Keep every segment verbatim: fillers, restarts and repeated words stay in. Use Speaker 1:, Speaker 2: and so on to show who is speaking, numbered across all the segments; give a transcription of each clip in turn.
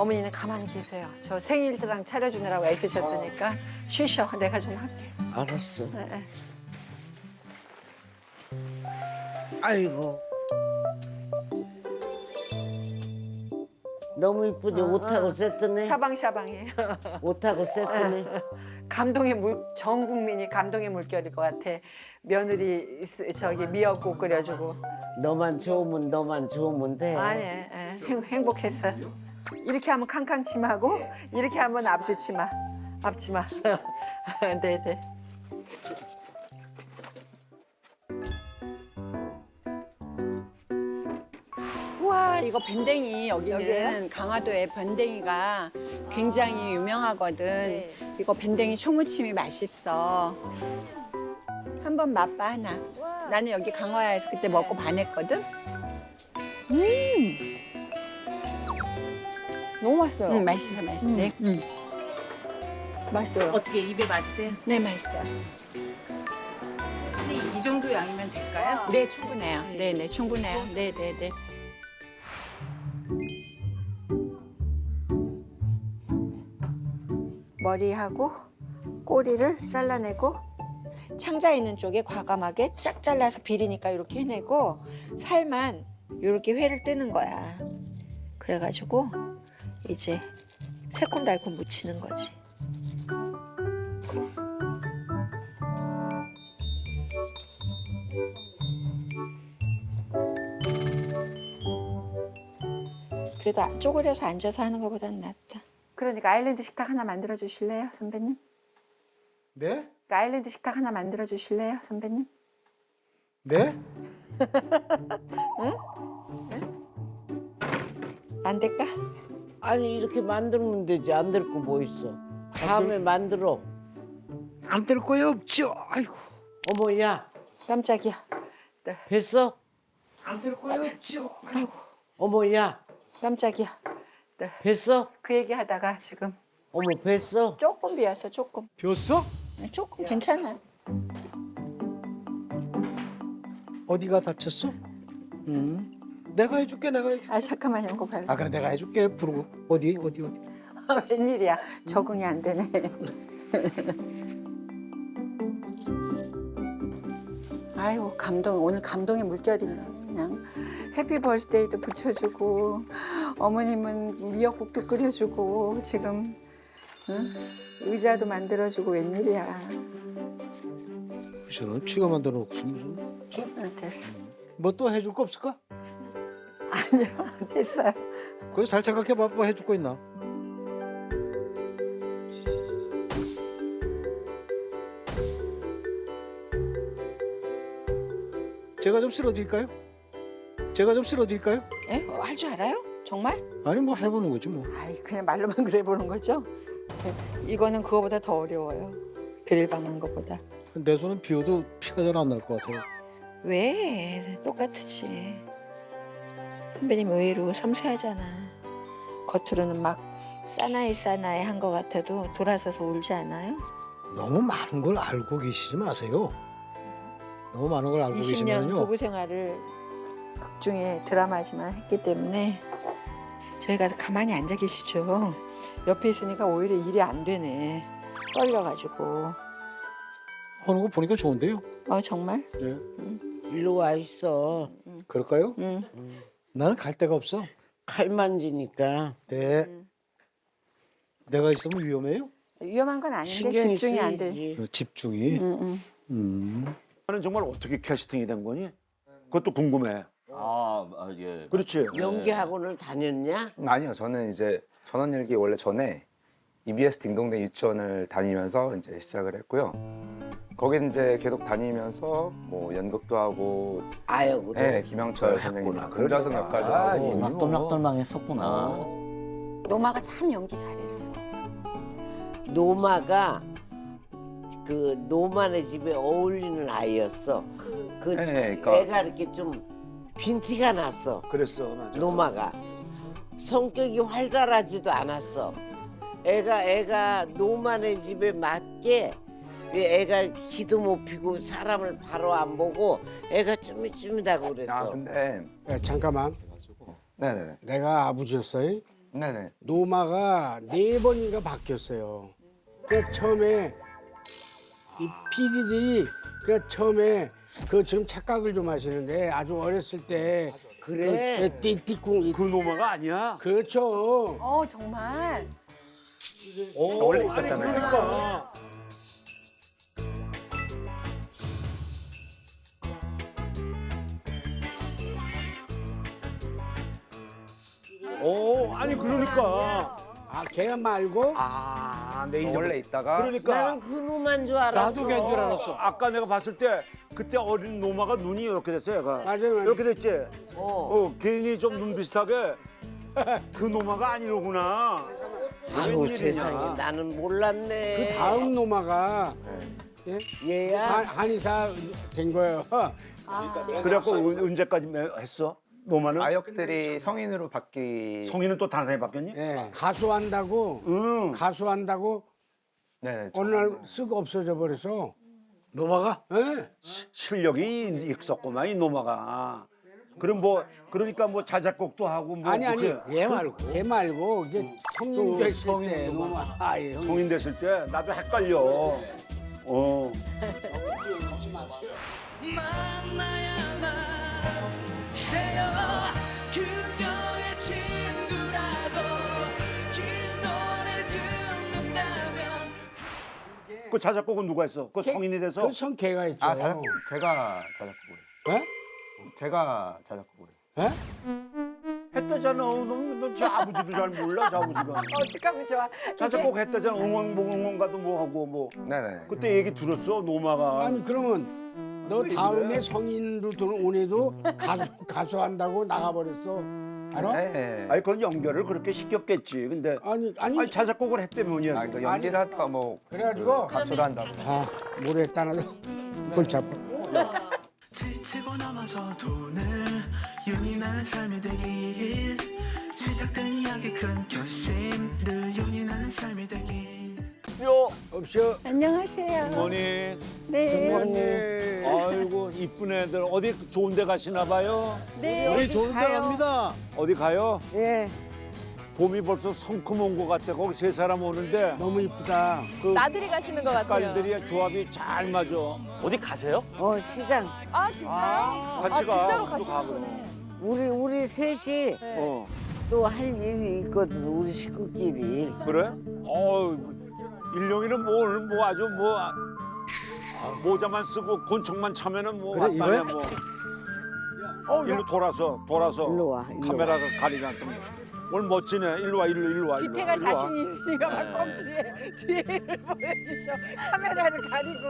Speaker 1: 어머니는 가만히 계세요. 저 생일상 차려주느라고 애쓰셨으니까 쉬셔. 내가 좀 할게.
Speaker 2: 알았어.
Speaker 1: 네, 네.
Speaker 2: 아이고. 너무 이쁘지?
Speaker 1: 어,
Speaker 2: 옷하고
Speaker 1: 어.
Speaker 2: 세트네.
Speaker 1: 샤방샤방해요.
Speaker 2: 옷하고 세트네.
Speaker 1: 감동의 물, 전 국민이 감동의 물결일 것 같아. 며느리 저기 미역국 끓여주고.
Speaker 2: 너만 좋으면 너만 좋으면 돼.
Speaker 1: 아, 예, 예. 행, 행복했어요. 이렇게 하면 캉캉치마고 이렇게 하면 앞주치마. 앞치마. 네, 네.
Speaker 3: 우와, 이거 밴댕이 여기는
Speaker 1: 여기예요?
Speaker 3: 강화도에 밴댕이가 굉장히 유명하거든.
Speaker 1: 네.
Speaker 3: 이거 밴댕이 초무침이 맛있어. 한번 맛봐 하나. 나는 여기 강화에서 그때 먹고 반했거든.
Speaker 1: 너무 맛있어요.
Speaker 3: 응, 맛있어, 맛있어.
Speaker 1: 음.
Speaker 3: 네, 응.
Speaker 1: 맛있어요.
Speaker 4: 어떻게 입에 맞으세요?
Speaker 3: 네, 맛있어요.
Speaker 4: 이 정도 양이면 될까요?
Speaker 3: 네, 충분해요. 네, 네, 충분해요. 네, 네, 네.
Speaker 1: 머리하고 꼬리를 잘라내고 창자 있는 쪽에 과감하게 쫙 잘라서 비리니까 이렇게 해내고 살만 이렇게 회를 뜨는 거야. 그래가지고 이제 새콤달콤 무치는 거지. 그래도 쪼그려서 앉아서 하는 것보다는 낫다. 그러니까 아일랜드 식탁 하나 만들어 주실래요, 선배님?
Speaker 5: 네?
Speaker 1: 아일랜드 식탁 하나 만들어 주실래요, 선배님?
Speaker 5: 네?
Speaker 1: 안 될까?
Speaker 2: 아니 이렇게 만들면 되지. 안 될 거 뭐 있어. 다음에 만들어.
Speaker 5: 안 될 거야 없죠. 아이고.
Speaker 2: 어머 야
Speaker 1: 깜짝이야.
Speaker 2: 뵀어?
Speaker 5: 안 될 거야 없죠.
Speaker 1: 아이고,
Speaker 2: 어머 야
Speaker 1: 깜짝이야.
Speaker 2: 뵀어?
Speaker 1: 그 얘기 하다가 지금
Speaker 2: 어머 뵀어?
Speaker 1: 조금 비었어, 조금.
Speaker 5: 비었어?
Speaker 1: 조금 괜찮아요.
Speaker 5: 어디가 다쳤어? 응. 내가 해줄게. 내가 해줄게.
Speaker 1: 아, 잠깐만요, 이거 발.
Speaker 5: 아 그래 내가 해줄게. 부르고 어디 어디 어디.
Speaker 1: 아, 웬일이야. 적응이 안 되네. 아이고, 감동. 오늘 감동의 물결이네. 그냥 해피 버스데이도 붙여주고 어머님은 미역국도 끓여주고 지금 응? 의자도 만들어주고 웬일이야.
Speaker 5: 무슨 쥐가 만들어 놓고 무슨.
Speaker 1: 응, 됐어.
Speaker 5: 뭐 또 해줄 거 없을까?
Speaker 1: 아니요, 됐어요.
Speaker 5: 그래서 잘 생각해봐. 뭐 해줄 거 있나? 제가 좀 쓸어드릴까요? 제가 좀 쓸어드릴까요?
Speaker 1: 예? 어, 할 줄 알아요? 정말?
Speaker 5: 아니 뭐 해보는 거지 뭐.
Speaker 1: 아이, 그냥 말로만 그래 보는 거죠? 이거는 그거보다 더 어려워요. 드릴 박는 것보다.
Speaker 5: 내 손은 비워도 피가 잘 안 날 것 같아요.
Speaker 1: 왜? 똑같지. 선배님 의외로 섬세하잖아. 겉으로는 막 사나이 사나이 한 것 같아도 돌아서서 울지 않아요?
Speaker 5: 너무 많은 걸 알고 계시지 마세요. 너무 많은 걸 알고
Speaker 1: 이십 년
Speaker 5: 계시면요.
Speaker 1: 부부 생활을 극 중에 드라마지만 했기 때문에 저희가 가만히 앉아 계시죠. 옆에 있으니까 오히려 일이 안 되네. 떨려가지고.
Speaker 5: 하는 거 보니까 좋은데요.
Speaker 1: 어, 정말?
Speaker 5: 네.
Speaker 2: 일로 와 있어.
Speaker 5: 그럴까요?
Speaker 1: 응.
Speaker 5: 나는 갈 데가 없어.
Speaker 2: 칼 만지니까
Speaker 5: 네. 내가 있으면 위험해요.
Speaker 1: 위험한 건 아닌데
Speaker 2: 신경이
Speaker 1: 집중이 안 돼.
Speaker 2: 쓰이지.
Speaker 5: 어, 집중이.
Speaker 1: 응, 응.
Speaker 5: 음.
Speaker 6: 나는 정말 어떻게 캐스팅이 된 거니? 그것도 궁금해.
Speaker 7: 아, 아, 예.
Speaker 6: 그렇지.
Speaker 2: 연기 학원을 다녔냐?
Speaker 8: 아니요, 저는 이제 전원일기 원래 전에 이비에스 딩동댕 유치원을 다니면서 이제 시작을 했고요. 거기 이제 계속 다니면서 뭐 연극도 하고,
Speaker 2: 아역으로.
Speaker 8: 네, 김영철 선생님 금자승 역할도 하고.
Speaker 7: 낙돌낙돌망했었구나.
Speaker 1: 노마가 참 연기 잘했어.
Speaker 2: 노마가 그 노만의 집에 어울리는 아이였어. 그
Speaker 8: 네, 그러니까
Speaker 2: 애가 이렇게 좀 빈티가 났어.
Speaker 6: 그랬어, 맞아.
Speaker 2: 노마가 성격이 활달하지도 않았어. 애가 애가 노만의 집에 맞게 애가 기도 못 피고 사람을 바로 안 보고 애가 쭈밋쭈밋하고 그랬어.
Speaker 8: 아 근데
Speaker 9: 야, 잠깐만.
Speaker 8: 네네.
Speaker 9: 내가 아버지였어요.
Speaker 8: 네네.
Speaker 9: 노마가 네 번인가 바뀌었어요. 그 처음에 이 피디들이 그 처음에 그 지금 착각을 좀 하시는데 아주 어렸을 때
Speaker 2: 그래.
Speaker 9: 그 띠띠꿍
Speaker 6: 그 노마가 아니야.
Speaker 9: 그렇죠.
Speaker 3: 어 정말.
Speaker 6: 오,
Speaker 8: 원래
Speaker 6: 아니,
Speaker 8: 있었잖아요.
Speaker 6: 그러니까. 오, 아니 그러니까.
Speaker 9: 아 걔 말고
Speaker 6: 아, 내 인정.
Speaker 8: 원래 있다가
Speaker 6: 그러니까
Speaker 2: 나는 그 놈만 줄 알았어.
Speaker 6: 나도 걔인 줄 알았어. 아까 내가 봤을 때 그때 어린 노마가 눈이 이렇게 됐어요, 얘가.
Speaker 9: 맞아요, 맞아요.
Speaker 6: 이렇게 됐지.
Speaker 2: 어.
Speaker 6: 어, 괜히 좀 눈 비슷하게. 그 노마가 아니로구나.
Speaker 2: 아유
Speaker 6: 웬일이냐.
Speaker 2: 세상에 나는 몰랐네.
Speaker 9: 그 다음 노마가 예?
Speaker 2: 얘야.
Speaker 9: 한, 한의사 된 거예요.
Speaker 6: 그래갖고 언- 언제까지 매- 했어? 노마는?
Speaker 8: 아역들이 성인으로 바뀌.
Speaker 6: 성인은 또 다른 사람이 바뀌었니?
Speaker 9: 예, 가수한다고
Speaker 6: 응.
Speaker 9: 가수한다고
Speaker 8: 네.
Speaker 9: 어느 날 쓱 없어져 버려서
Speaker 6: 노마가?
Speaker 9: 예.
Speaker 6: 시- 실력이 있었구만 이 노마가. 그럼 뭐 그러니까 뭐 자작곡도 하고 뭐
Speaker 9: 아니 아니
Speaker 6: 그치?
Speaker 9: 얘 말고 걔 말고 이제 성인
Speaker 6: 또
Speaker 9: 됐을
Speaker 6: 성인
Speaker 9: 때
Speaker 6: 노마.
Speaker 9: 노마 아예
Speaker 6: 성인 됐을 때 나도 헷갈려. 어.
Speaker 10: 만나야만 해요. 그녀의 친구라도 이 노래 듣는다면.
Speaker 6: 그 자작곡은 누가 했어? 그 성인이 돼서?
Speaker 9: 그성 걔가 있죠.
Speaker 8: 아 자작 제가 자작곡을.
Speaker 9: 예?
Speaker 8: 제가 자작곡을.
Speaker 9: 예?
Speaker 6: 했다잖아. 너너저 아버지도 잘 몰라, 저 아버지가.
Speaker 3: 어떡하면 좋아.
Speaker 6: 자작곡 했다잖아. 응원 뭐 응원가도 뭐 하고 뭐.
Speaker 8: 네네.
Speaker 6: 그때 얘기 들었어, 노마가.
Speaker 9: 아니 그러면 너 다음에 성인으로 들어온 애도 가수 가수 한다고 나가버렸어. 알아?
Speaker 8: 네.
Speaker 6: 아니 그건 연결을 그렇게 시켰겠지. 근데
Speaker 9: 아니 아니
Speaker 6: 아니 자작곡을 했다면이야.
Speaker 8: 아, 그 연기를 하다가 뭐
Speaker 9: 그래가지고
Speaker 8: 가수를 한다고.
Speaker 9: 아 모르겠다 나도 골치 아파.
Speaker 10: 지치고 넘어져 돈을 윤이 나는 삶이 되길 시작된 이야기 큰 결심 늘 윤이 나는 삶이 되길
Speaker 9: 없어.
Speaker 3: 안녕하세요.
Speaker 6: 어머니.
Speaker 3: 네.
Speaker 6: 아이고 이쁜 애들 어디 좋은 데 가시나 봐요?
Speaker 3: 네.
Speaker 5: 우리 좋은 데 갑니다.
Speaker 6: 어디 가요?
Speaker 2: 예.
Speaker 6: 봄이 벌써 성큼 온 것 같아. 거기 세 사람 오는데
Speaker 9: 너무 이쁘다.
Speaker 6: 그
Speaker 3: 나들이 가시는 것 같아요.
Speaker 6: 색깔들이 조합이 잘 맞아.
Speaker 7: 어디 가세요?
Speaker 2: 어 시장.
Speaker 3: 아 진짜요?
Speaker 6: 같이
Speaker 3: 아
Speaker 6: 가.
Speaker 3: 진짜로
Speaker 6: 우리도
Speaker 3: 가시는
Speaker 6: 가고.
Speaker 3: 거네.
Speaker 2: 우리 우리 셋이
Speaker 6: 어
Speaker 2: 또 할 일이 있거든. 우리 식구끼리.
Speaker 6: 그래? 어 일용이는 뭐 오늘 뭐 아주 뭐 아, 모자만 쓰고 곤충만 차면은 뭐
Speaker 5: 그래,
Speaker 6: 왔다네
Speaker 5: 이거야?
Speaker 6: 뭐. 어 일로 돌아서 돌아서
Speaker 2: 일로 와, 일로
Speaker 6: 카메라가 가리지 않던 오늘 멋지네. 일로 와 일로 일로 와. 일로
Speaker 3: 뒤태가
Speaker 6: 와, 일로 와.
Speaker 3: 자신 있으니까 막 꼭 뒤에 뒤에를 보여주셔. 카메라를 가리고.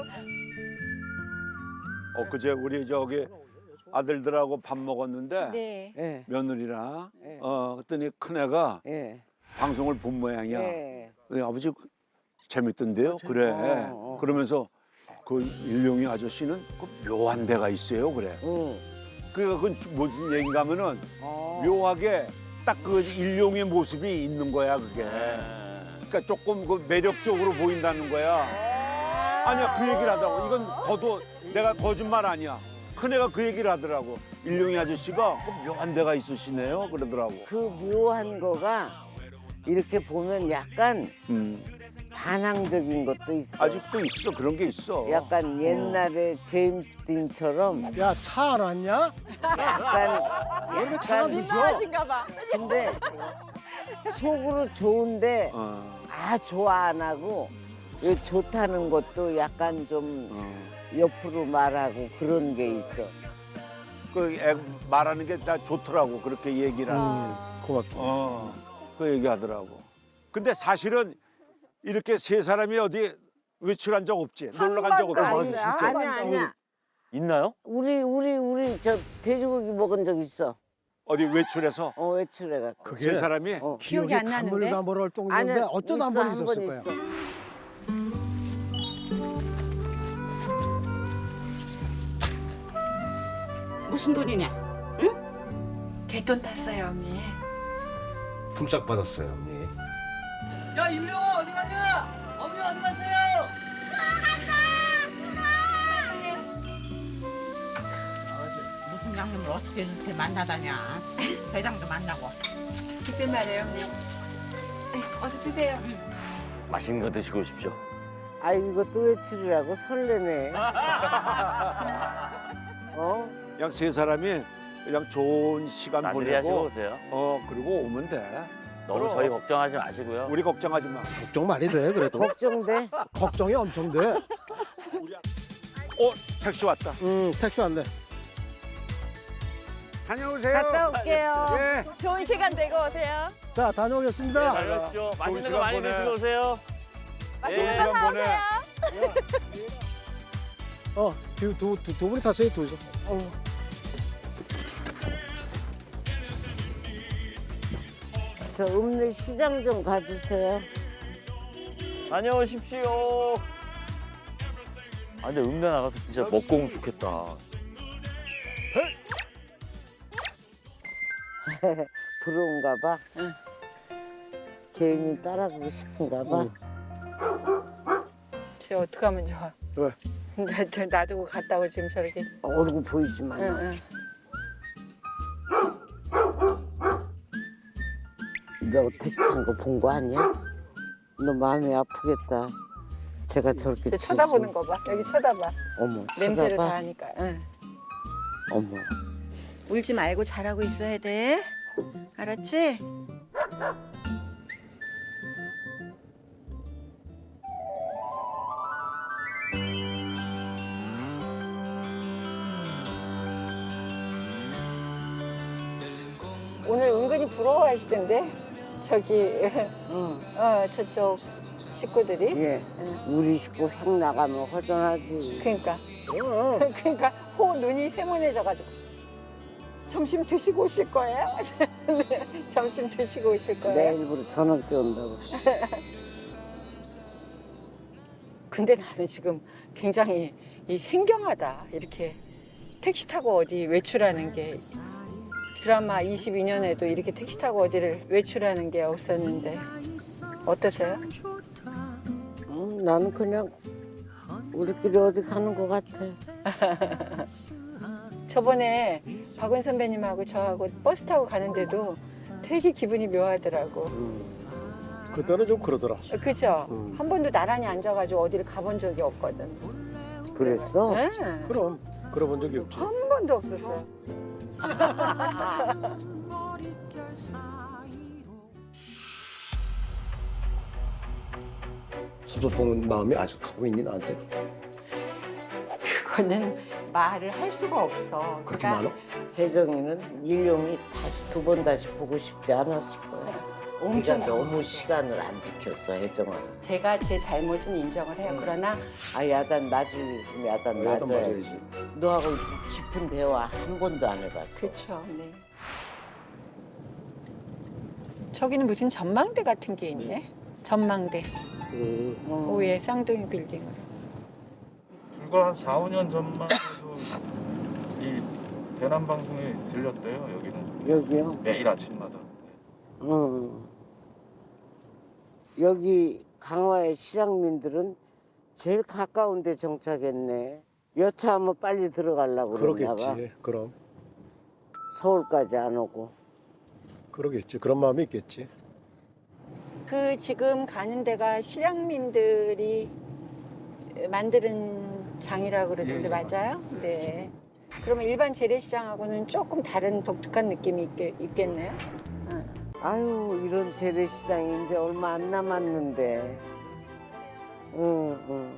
Speaker 6: 엊그제 우리 저기 아들들하고 밥 먹었는데
Speaker 3: 네.
Speaker 2: 예.
Speaker 6: 며느리랑
Speaker 2: 네.
Speaker 6: 어 그랬더니 큰애가
Speaker 2: 예.
Speaker 6: 방송을 본 모양이야.
Speaker 2: 예.
Speaker 6: 네, 아버지 그- 재밌던데요? 그래.
Speaker 2: 어, 어.
Speaker 6: 그러면서 그 일용이 아저씨는 그 묘한 데가 있어요. 그래.
Speaker 2: 응.
Speaker 6: 그러니까 그건 무슨 얘기인가 하면은
Speaker 2: 어.
Speaker 6: 묘하게 딱 그 일용의 모습이 있는 거야 그게. 그러니까 조금 그 매력적으로 보인다는 거야. 아니야 그 얘기를 하더라고. 이건 거도 내가 거짓말 아니야. 큰애가 그 얘기를 하더라고. 일용이 아저씨가 그 묘한 데가 있으시네요. 그러더라고.
Speaker 2: 그 묘한 거가 이렇게 보면 약간
Speaker 6: 음.
Speaker 2: 반항적인 것도 있어.
Speaker 6: 아직도 있어 그런 게 있어.
Speaker 2: 약간 옛날에 제임스 딘처럼
Speaker 5: 야 차 알았냐?
Speaker 2: 약간
Speaker 5: 원래 차가
Speaker 2: 약간
Speaker 5: 늦어.
Speaker 3: 민망하신가 봐.
Speaker 2: 근데 속으로 좋은데
Speaker 6: 어,
Speaker 2: 아 좋아 안 하고 왜 좋다는 것도 약간 좀
Speaker 6: 어.
Speaker 2: 옆으로 말하고 그런 게 있어.
Speaker 6: 그 애 말하는 게 다 좋더라고 그렇게 얘기를 하는 게.
Speaker 9: 고맙다.
Speaker 6: 어, 그 얘기하더라고. 근데 사실은 이렇게 세 사람이 어디 외출한 적 없지? 놀러 간 적 없지?
Speaker 2: 아니, 아니야 아니야.
Speaker 7: 있나요?
Speaker 2: 우리 우리 우리 저 돼지고기 먹은 적 있어.
Speaker 6: 어디 외출해서
Speaker 2: 어 외출해가.
Speaker 5: 그게
Speaker 6: 세 사람이
Speaker 2: 어.
Speaker 3: 기억이 안 나는데?
Speaker 5: 가물가물할 정도인데
Speaker 2: 아니야
Speaker 5: 어쩌다 한
Speaker 2: 있어,
Speaker 5: 번 있었을
Speaker 2: 번
Speaker 5: 거야.
Speaker 2: 있어.
Speaker 11: 무슨 돈이냐? 응?
Speaker 10: 제 돈 탔어요 언니.
Speaker 5: 품삯 받았어요, 언니.
Speaker 10: 야 임명호 어디 가냐? 어머니 어디 가세요?
Speaker 11: 무슨 양념을 어떻게 이렇게 만나다냐? 대장도 만나고.
Speaker 3: 글쎄 말이에요, 언니. 어서 드세요.
Speaker 7: 맛있는 거 드시고 오십시오.
Speaker 2: 아 이거 또 외출이라고 설레네. 어?
Speaker 6: 그냥 세 사람이 그냥 좋은 시간
Speaker 7: 나들이 하시고
Speaker 6: 보내고
Speaker 7: 오세요.
Speaker 6: 어 그리고 오면 돼.
Speaker 7: 너무
Speaker 6: 그럼.
Speaker 7: 저희 걱정하지 마시고요.
Speaker 6: 우리 걱정하지 마.
Speaker 5: 걱정 많이 돼 그래도.
Speaker 2: 걱정돼?
Speaker 5: 걱정이 엄청 돼.
Speaker 6: 어 택시 왔다.
Speaker 5: 음 택시 왔네.
Speaker 6: 다녀오세요.
Speaker 2: 갔다 올게요.
Speaker 6: 예.
Speaker 3: 좋은 시간 되고 오세요.
Speaker 5: 자 다녀오겠습니다.
Speaker 7: 잘 가십시오. 맛있는 거
Speaker 6: 시간
Speaker 7: 많이
Speaker 6: 보내.
Speaker 7: 드시고 오세요.
Speaker 3: 맛있는
Speaker 7: 예.
Speaker 3: 거
Speaker 6: 시간 보내.
Speaker 5: 어두두 두, 두 분이 타세요 둘이서.
Speaker 2: 저 읍내 시장 좀 가주세요.
Speaker 7: 다녀오십시오. 아 근데 읍내 나가서 진짜 먹고 오면 좋겠다.
Speaker 2: 부러운가 봐. 개인이 따라가고 싶은가 봐.
Speaker 3: 쟤 어떡하면 좋아.
Speaker 5: 왜?
Speaker 3: 나, 저 놔두고 갔다고 지금 저렇게.
Speaker 2: 얼굴 보이지만.
Speaker 3: 응, 응.
Speaker 2: 너 택시 탄 거 본 거 아니야? 너 마음이 아프겠다. 제가 저렇게
Speaker 3: 쟤 쳐다보는 거 봐. 여기 쳐다봐.
Speaker 2: 어머,
Speaker 3: 냄새를
Speaker 2: 쳐다봐.
Speaker 3: 다 하니까. 응.
Speaker 2: 어머.
Speaker 1: 울지 말고 잘하고 있어야 돼. 알았지?
Speaker 3: 오늘 은근히 부러워하시던데 저기
Speaker 2: 응.
Speaker 3: 어 저쪽 식구들이.
Speaker 2: 예. 우리 식구 획 나가면 허전하지.
Speaker 3: 그러니까 그러니까 호 눈이 세모내져가지고 점심 드시고 오실 거예요? 네, 점심 드시고 오실 거예요?
Speaker 2: 내일부터 저녁 때 온다고.
Speaker 3: 근데 나는 지금 굉장히 이 생경하다. 이렇게 택시 타고 어디 외출하는 게 드라마 이십이 년에도 이렇게 택시 타고 어디를 외출하는 게 없었는데 어떠세요?
Speaker 2: 응, 나는 그냥 우리끼리 어디 가는 것 같아.
Speaker 3: 저번에 박은 선배님하고 저하고 버스 타고 가는데도 되게 기분이 묘하더라고.
Speaker 5: 그때는 좀 그러더라.
Speaker 3: 그죠?
Speaker 5: 음.
Speaker 3: 한 번도 나란히 앉아가지고 어디를 가본 적이 없거든.
Speaker 2: 그랬어?
Speaker 3: 네.
Speaker 5: 그럼 그러본 적이 없지.
Speaker 3: 한 번도 없었어요.
Speaker 5: 섭섭한 마음이 아직 갖고 있니 나한테?
Speaker 3: 그거는 말을 할 수가 없어.
Speaker 5: 그렇게
Speaker 3: 그러니까
Speaker 5: 많아?
Speaker 2: 혜정이는 일용이 다시 두 번 다시 보고 싶지 않았을 거야.
Speaker 3: 엄청
Speaker 2: 네가 너무 시간을 안 지켰어, 혜정아.
Speaker 3: 제가 제 잘못은 인정을 해요. 그러나
Speaker 2: 아 야단 맞을 일 있으면 야단
Speaker 5: 어, 야단
Speaker 2: 맞아야지.
Speaker 5: 맞아야지.
Speaker 2: 너하고 이렇게 깊은 대화 한 번도 안 해봤어.
Speaker 3: 그렇죠. 네. 저기는 무슨 전망대 같은 게 있네. 전망대.
Speaker 5: 음.
Speaker 3: 오후에 쌍둥이 빌딩으로.
Speaker 12: 불과 한 사, 오 년 전만 해도 이 대남 방송에 들렸대요. 여기는
Speaker 2: 여기요?
Speaker 12: 매일 아침마다.
Speaker 2: 응. 여기 강화의 실향민들은 제일 가까운 데 정착했네. 여차하면 빨리 들어가려고 그러나 봐.
Speaker 5: 그러겠지. 그럼
Speaker 2: 서울까지 안 오고.
Speaker 5: 그러겠지. 그런 마음이 있겠지.
Speaker 3: 그 지금 가는 데가 실향민들이 만드는 장이라고 그러던데
Speaker 12: 예, 예,
Speaker 3: 맞아요? 네. 그러면 일반 재래시장하고는 조금 다른 독특한 느낌이 있겠, 있겠네요.
Speaker 2: 아유 이런 재래시장이 이제 얼마 안 남았는데. 응, 응.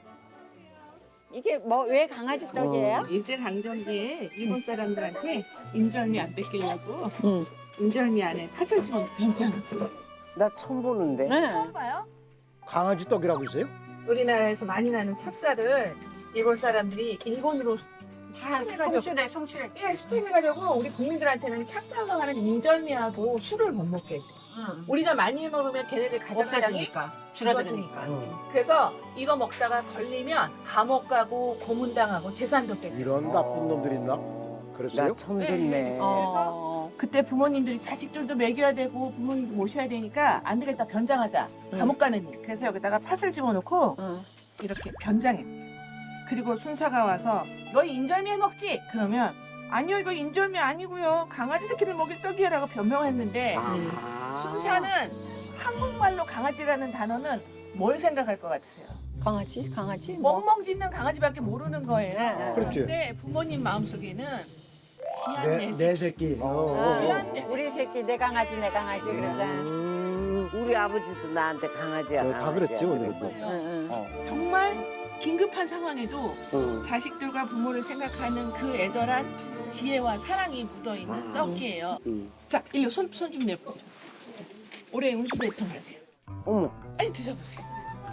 Speaker 3: 이게 뭐 왜 강아지 떡이에요?
Speaker 11: 일제 강점기에 일본 사람들한테 인절미 안 뺏기려고
Speaker 3: 응.
Speaker 11: 인절미 안에 팥을 집어 변장했어.
Speaker 2: 나 처음 보는데.
Speaker 3: 네.
Speaker 11: 처음 봐요?
Speaker 5: 강아지 떡이라고 있어요?
Speaker 11: 우리나라에서 많이 나는 찹쌀을 일본 사람들이 일본으로 다 해가지고
Speaker 3: 송출해, 송출해.
Speaker 11: 예, 수출해가려고 우리 국민들한테는 찹쌀로 하는 인절미하고 술을 못 먹게 했대.
Speaker 3: 응.
Speaker 11: 우리가 많이 먹으면 걔네들 가정량이
Speaker 3: 없어지니까.
Speaker 11: 줄어드니까.
Speaker 5: 응.
Speaker 11: 그래서 이거 먹다가 걸리면 감옥 가고 고문당하고 재산도 뺏고.
Speaker 5: 이런 나쁜 놈들 있나? 그랬어요?
Speaker 2: 나 처음 듣네.
Speaker 3: 어.
Speaker 11: 그때 부모님들이 자식들도 먹여야 되고 부모님도 모셔야 되니까 안 되겠다 변장하자. 감옥 가는 일. 그래서 여기다가 팥을 집어넣고
Speaker 3: 응.
Speaker 11: 이렇게 변장해. 그리고 순사가 와서 너희 인절미 해 먹지? 그러면 아니요 이거 인절미 아니고요 강아지 새끼들 먹일 떡이야라고 변명했는데
Speaker 2: 아.
Speaker 11: 순사는 한국말로 일본어로 강아지라는 단어는 뭘 생각할 것 같으세요?
Speaker 3: 강아지? 강아지? 뭐?
Speaker 11: 멍멍 짖는 강아지밖에 모르는 거예요.
Speaker 3: 네, 네.
Speaker 5: 그렇지.
Speaker 11: 근데 부모님 마음속에는 귀한
Speaker 5: 내,
Speaker 11: 내
Speaker 5: 내
Speaker 11: 새끼.
Speaker 5: 새끼.
Speaker 3: 아,
Speaker 5: 어.
Speaker 11: 귀한 내 새끼.
Speaker 3: 우리 새끼 내 강아지 내 강아지 그러잖아.
Speaker 2: 음, 우리 아버지도 나한테 강아지야.
Speaker 5: 저 다
Speaker 2: 강아지야
Speaker 5: 그랬지, 오늘은 또.
Speaker 2: 그랬거든.
Speaker 3: 응, 응.
Speaker 11: 정말 긴급한 상황에도
Speaker 2: 응.
Speaker 11: 자식들과 부모를 생각하는 그 애절한 지혜와 사랑이 묻어있는
Speaker 2: 아.
Speaker 11: 떡이에요.
Speaker 2: 응.
Speaker 11: 자, 일로 손 좀 내보세요. 자, 올해 운수 대통 하세요.
Speaker 2: 어머,
Speaker 11: 아니 드셔보세요.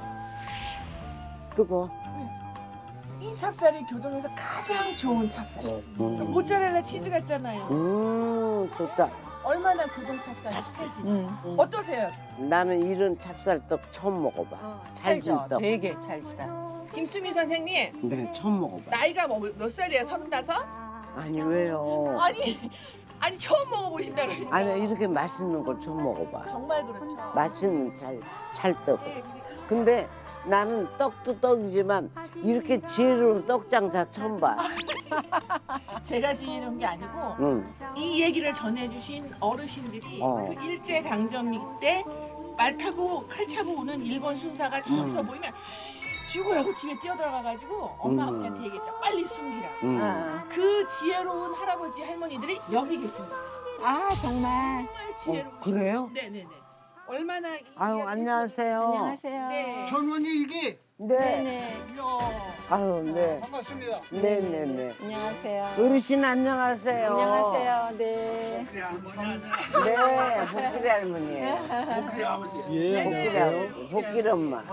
Speaker 2: 뜨거.
Speaker 11: 이 찹쌀이 교동에서 가장 좋은 찹쌀이에요. 모짜렐라 치즈 같잖아요.
Speaker 2: 음, 좋다.
Speaker 11: 얼마나 교동 찹쌀이 찰지.
Speaker 3: 응.
Speaker 11: 어떠세요?
Speaker 2: 나는 이런 찹쌀떡 처음 먹어봐.
Speaker 3: 어,
Speaker 2: 찰진
Speaker 3: 찰져.
Speaker 2: 떡.
Speaker 3: 되게 찰지다.
Speaker 11: 김수미 선생님
Speaker 2: 네, 처음 먹어봐.
Speaker 11: 나이가 뭐, 몇 살이에요? 서른다섯?
Speaker 2: 아니 왜요?
Speaker 11: 아니 아니 처음 먹어보신다 그러니까.
Speaker 2: 아니 이렇게 맛있는 걸 처음 먹어봐.
Speaker 11: 정말 그렇죠.
Speaker 2: 맛있는 찰 찰떡.
Speaker 11: 네, 근데
Speaker 2: 근데 나는 떡도 떡이지만 이렇게 지혜로운 떡 장사 처음 봐.
Speaker 11: 제가 지은 게 아니고
Speaker 2: 응.
Speaker 11: 이 얘기를 전해주신 어르신들이
Speaker 2: 어.
Speaker 11: 그 일제 강점기 때 말 타고 칼 차고 오는 일본 순사가 저기서
Speaker 2: 음.
Speaker 11: 보이면 죽으라고 집에 뛰어들어가가지고 엄마
Speaker 2: 음.
Speaker 11: 아버지한테 얘기했다. 빨리 숨기라고.
Speaker 2: 응.
Speaker 3: 응.
Speaker 11: 그 지혜로운 할아버지 할머니들이 여기 계십니다.
Speaker 3: 아 정말.
Speaker 11: 정말 지혜로운.
Speaker 2: 그래요?
Speaker 11: 네네네. 얼마나 이
Speaker 2: 아유
Speaker 11: 이야기
Speaker 2: 안녕하세요.
Speaker 3: 안녕하세요.
Speaker 11: 네.
Speaker 9: 젊은이 일기.
Speaker 2: 네.
Speaker 3: 네네.
Speaker 2: 아유 네.
Speaker 9: 반갑습니다.
Speaker 2: 네네네.
Speaker 3: 안녕하세요.
Speaker 2: 어르신 안녕하세요.
Speaker 3: 안녕하세요. 네.
Speaker 2: 네, 복길이 할머니예요.
Speaker 5: 예,
Speaker 2: 복길이 할머니, 복길 엄마.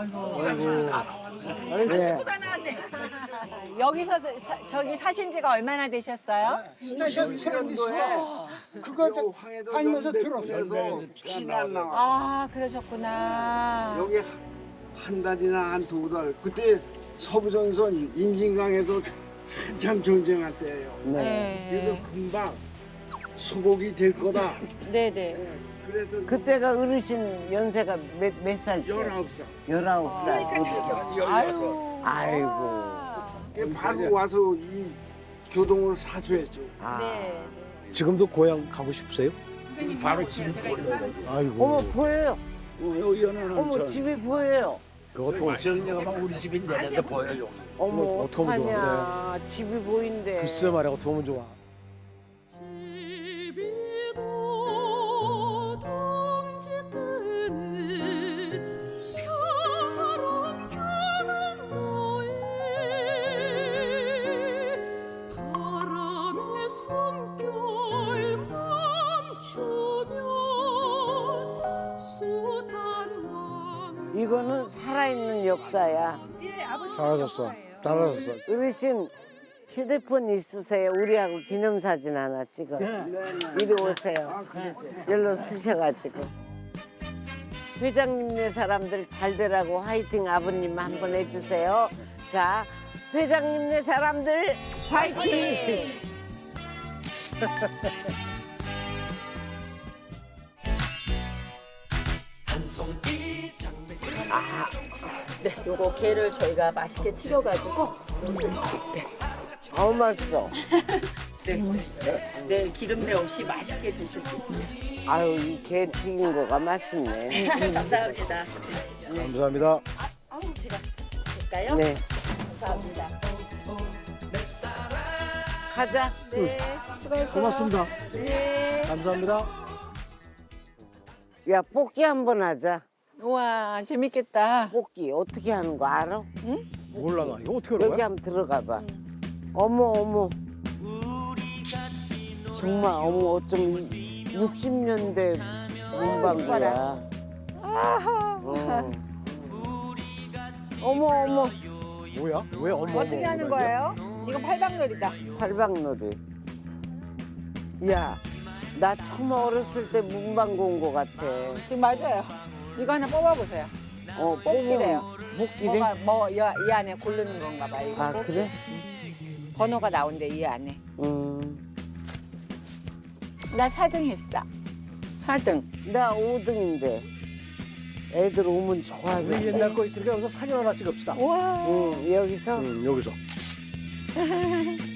Speaker 2: 네.
Speaker 3: 여기서 사- 저기 사신 지가 얼마나 되셨어요?
Speaker 9: 그거 다니면서 들었어.
Speaker 13: 피난 나와.
Speaker 3: 아 그러셨구나.
Speaker 13: 여기 한 달이나 한 두 달. 그때 서부전선 임진강에도 한참 전쟁할 때예요.
Speaker 3: 네.
Speaker 13: 그래서 금방 수복이 될 거다.
Speaker 3: 네네.
Speaker 13: 그래서
Speaker 2: 그때가 어르신 연세가 몇, 몇 살이세요?
Speaker 13: 열아홉 살.
Speaker 2: 열아홉 살.
Speaker 3: 아유.
Speaker 2: 아이고.
Speaker 13: 바로 와서 이 교동을 사수했죠.
Speaker 2: 아.
Speaker 3: 네.
Speaker 5: 지금도 고향 가고 싶으세요?
Speaker 11: 선생님 바로 집에 제가 있어요.
Speaker 5: 아이고.
Speaker 2: 어머 보여요.
Speaker 13: 여기는
Speaker 2: 어머 집이 보여요.
Speaker 5: 그것도
Speaker 13: 우리 집이 내는데 보여요.
Speaker 2: 어머
Speaker 5: 어떻게 하면 좋아,
Speaker 2: 어떡하냐. 집이 보인대.
Speaker 5: 글쎄 말이야, 어떻게 하면 좋아.
Speaker 2: 이거는 살아있는 역사야.
Speaker 11: 예, 아버지.
Speaker 5: 잘하셨어. 잘하셨어.
Speaker 2: 어르신 휴대폰 있으세요? 우리하고 기념사진 하나 찍어. 이리 오세요. 열로 쓰셔가지고. 회장님네 사람들 잘 되라고 화이팅 아버님 한번 해주세요. 자, 회장님네 사람들 화이팅!
Speaker 3: 아, 네, 요거 게를 저희가 맛있게 튀겨가지고
Speaker 2: 아우 맛있어.
Speaker 3: 네, 네 기름내 없이 맛있게 드실 수 있어요.
Speaker 2: 아유 이 게 튀긴 거가 맛있네.
Speaker 3: 감사합니다.
Speaker 5: 감사합니다.
Speaker 3: 아우 제가 될까요?
Speaker 2: 네.
Speaker 3: 감사합니다.
Speaker 2: 가자.
Speaker 3: 네, 수고하세요.
Speaker 5: 고맙습니다.
Speaker 3: 네.
Speaker 5: 감사합니다.
Speaker 2: 야 뽑기 한번 하자.
Speaker 3: 우와 재밌겠다.
Speaker 2: 뽑기 어떻게 하는 거 알아?
Speaker 5: 몰라, 나 이거 어떻게 하는
Speaker 2: 여기
Speaker 5: 거야?
Speaker 2: 한번 들어가 봐. 어머 어머. 정말 어머 어쩜 육십 년대 문방구야. 어. 어머 어머.
Speaker 5: 뭐야? 왜 엄마
Speaker 3: 어떻게 하는 거예요? 이건 팔방놀이다.
Speaker 2: 팔방놀이. 야, 나 처음 어렸을 때 문방구 온 거 같아.
Speaker 3: 지금 맞아요. 이거 하나 뽑아보세요.
Speaker 2: 어,
Speaker 3: 뽑기래요.
Speaker 2: 뽑기래?
Speaker 3: 뭐가 뭐 이 안에 고르는 건가 봐. 이거
Speaker 2: 아,
Speaker 3: 뽑기.
Speaker 2: 그래?
Speaker 3: 번호가 나온대 이 안에.
Speaker 2: 음.
Speaker 3: 나 사 등 했어. 사 등.
Speaker 2: 나 오 등인데. 애들 오면
Speaker 5: 우리
Speaker 2: 좋아하겠네.
Speaker 5: 옛날 거 있으니까 여기서 사진 하나 찍읍시다.
Speaker 3: 우와.
Speaker 2: 응, 여기서?
Speaker 5: 응, 여기서.